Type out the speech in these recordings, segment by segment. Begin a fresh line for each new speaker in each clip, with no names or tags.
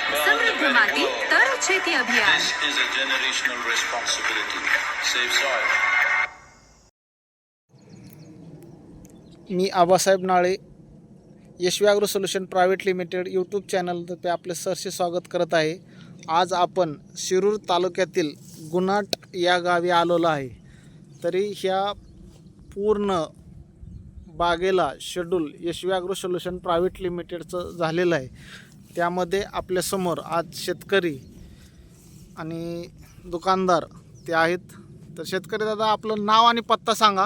समृद्ध माती तर शेती अभियान.
This is a generational responsibility. Save soil.
मी Abasaheb Nale, Yashvi agro solution private limited YouTube चॅनलतर्फे आपले सहर्ष स्वागत करत आहे. आज आपण शिरूर तालुक्यातील गुणाट या गावी आलेलो आहे. तरी ह्या पूर्ण बागेला schedule Yashvi agro solution private लिमिटेडचं झालेलं आहे. त्यामध्ये आपल्यासमोर आज शेतकरी आणि दुकानदार ते आहेत. तर शेतकरी दादा, आपलं नाव आणि पत्ता सांगा.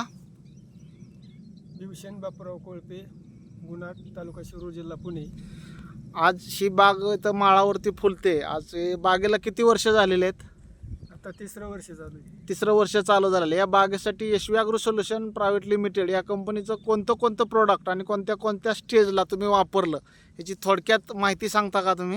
दिवशन बापूराव कोळपे, गुणाट, तालुका शिरूर, जिल्हा पुणे.
आज ही बाग इथं माळावरती फुलते. आज हे बागेला किती वर्ष झालेले आहेत?
आता तिसरं वर्ष चालू आहे.
तिसरं वर्ष चालू झालेलं. या बागेसाठी Yashvi agro solution private limited या कंपनीचं कोणतं प्रोडक्ट आणि कोणत्या स्टेजला तुम्ही वापरलं याची थोडक्यात माहिती सांगता का तुम्ही?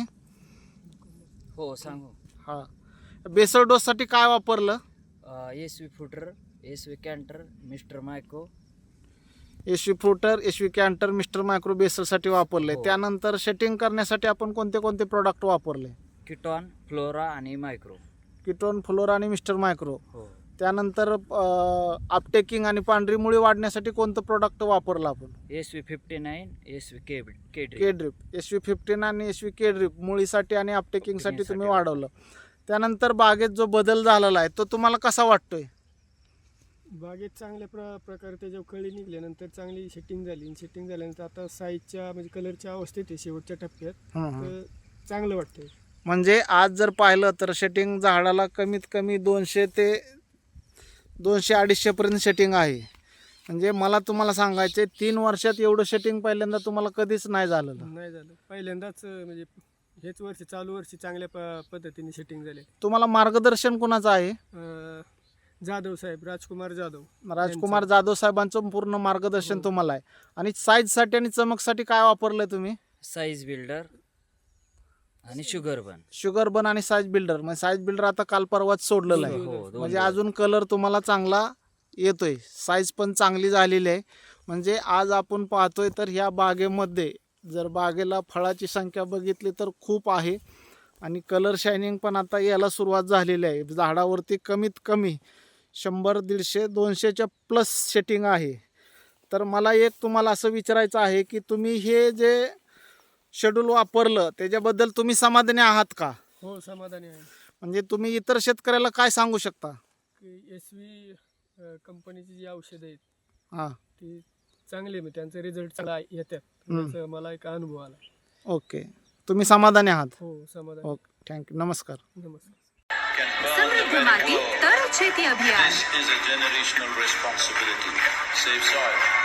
हो सांगू.
हां, बेसल डोससाठी काय वापरलं?
SV fruiter, SV canter, mister micro.
SV fruiter, SV canter, mister micro बेसलसाठी वापरले.
हो.
त्यानंतर सेटिंग करण्यासाठी आपण कोणते प्रोडक्ट वापरले?
किटॉन, फ्लोरा आणि मायक्रो.
किटोन, फ्लोरा आणि मिस्टर मायक्रो.
हो.
त्यानंतर अपटेकिंग आणि पांढरी मुळी वाढण्यासाठी कोणतं प्रोडक्ट वापरलं आपण?
SV 59, SV K
K drip. SV 15 आणि एसवी के ड्रिप मुळीसाठी आणि अपटेकिंगसाठी तुम्ही वाढवलं. त्यानंतर बागेत जो बदल झालेला आहे तो तुम्हाला कसा वाटतोय?
बागेत चांगल्या प्रकारे त्याच्यावर कळी निघल्यानंतर चांगली सेटिंग झाली. सेटिंग झाल्यानंतर आता साईजच्या म्हणजे कलरच्या अवस्थेत आहे शेवटच्या टप्प्यात. तर चांगलं वाटतंय.
म्हणजे आज जर पाहिलं तर सेटिंग झाडाला कमीत कमी 200 ते 200-250 पर्यंत सेटिंग आहे. म्हणजे मला तुम्हाला सांगायचे 3 वर्षात एवढं सेटिंग पहिल्यांदा तुम्हाला कधीच नाही झालेलं.
नाही झालं, पहिल्यांदाच म्हणजे हेच वर्षी चालू वर्षी चांगल्या पद्धतीने सेटिंग झाले.
तुम्हाला मार्गदर्शन कोणाचं आहे?
जाधव साहेब, राजकुमार
जाधव साहेबांचं पूर्ण मार्गदर्शन तुम्हाला आहे. आणि साईजसाठी आणि चमकसाठी काय वापरलंय तुम्ही?
साईज बिल्डर आणि शुगर बन आणि साईज बिल्डर. म्हणजे साईज बिल्डर आता काल परवाच सोडलेलं आहे. हो,
म्हणजे अजून कलर तुम्हाला चांगला येतोय, साईज पण चांगली झालेली आहे. म्हणजे आज आपण पाहतोय तर ह्या बागेमध्ये जर बागेला फळाची संख्या बघितली तर खूप आहे आणि कलर शायनिंग पण आता यायला सुरुवात झालेली आहे. झाडावरती कमीत कमी 100, 150, 200च्या प्लस सेटिंग आहे. तर मला एक तुम्हाला असं विचारायचं आहे की तुम्ही हे जे शेड्यूल वापरलं त्याच्याबद्दल तुम्ही समाधानी आहात का?
हो, समाधानी आहे.
म्हणजे तुम्ही इतर शेतकऱ्याला काय सांगू शकता?
की एसवी कंपनीची जी औषधं आहेत
हां,
ती चांगली, म्हणजे त्यांचा रिझल्ट चांगला येतात. त्याचा मला एक अनुभव आला.
ओके, तुम्ही समाधानी आहात?
हो, समाधान.
ओके, थँक्यू, नमस्कार.
नमस्कार.
समृद्ध माती तर शेती अभियान.
This is a generational responsibility. Save soil.